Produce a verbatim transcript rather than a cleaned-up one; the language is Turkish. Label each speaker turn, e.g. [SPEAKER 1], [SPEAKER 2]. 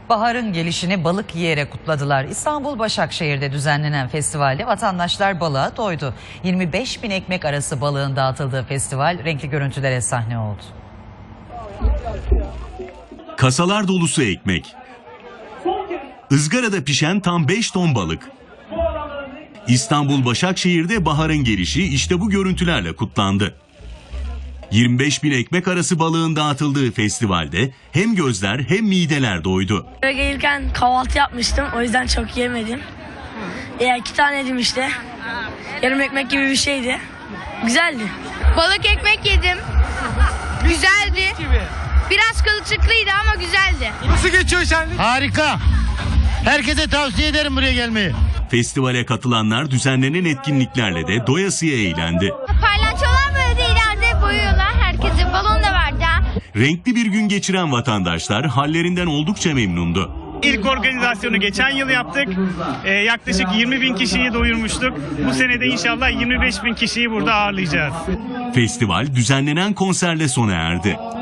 [SPEAKER 1] Baharın gelişini balık yiyerek kutladılar. İstanbul Başakşehir'de düzenlenen festivalde vatandaşlar balığa doydu. yirmi beş bin ekmek arası balığın dağıtıldığı festival renkli görüntülere sahne oldu.
[SPEAKER 2] Kasalar dolusu ekmek. Izgarada pişen tam beş ton balık. İstanbul Başakşehir'de baharın gelişi işte bu görüntülerle kutlandı. yirmi beş bin ekmek arası balığın dağıtıldığı festivalde hem gözler hem mideler doydu.
[SPEAKER 3] Buraya gelirken kahvaltı yapmıştım, o yüzden çok yemedim. Ya iki tane yedim işte. Yarım ekmek gibi bir şeydi. Güzeldi.
[SPEAKER 4] Balık ekmek yedim. Güzeldi. Biraz kılçıklıydı ama güzeldi.
[SPEAKER 5] Nasıl geçiyor şenlik?
[SPEAKER 6] Harika. Herkese tavsiye ederim buraya gelmeyi.
[SPEAKER 2] Festivale katılanlar düzenlenen etkinliklerle de doyasıya eğlendi.
[SPEAKER 4] Paylaşıyorlar böyle ileride boyuyorlar. Herkese balon da vardı.
[SPEAKER 2] Renkli bir gün geçiren vatandaşlar hallerinden oldukça memnundu.
[SPEAKER 7] İlk organizasyonu geçen yıl yaptık. Ee, yaklaşık yirmi bin kişiyi doyurmuştuk. Bu sene de inşallah yirmi beş bin kişiyi burada ağırlayacağız.
[SPEAKER 2] Festival düzenlenen konserle sona erdi.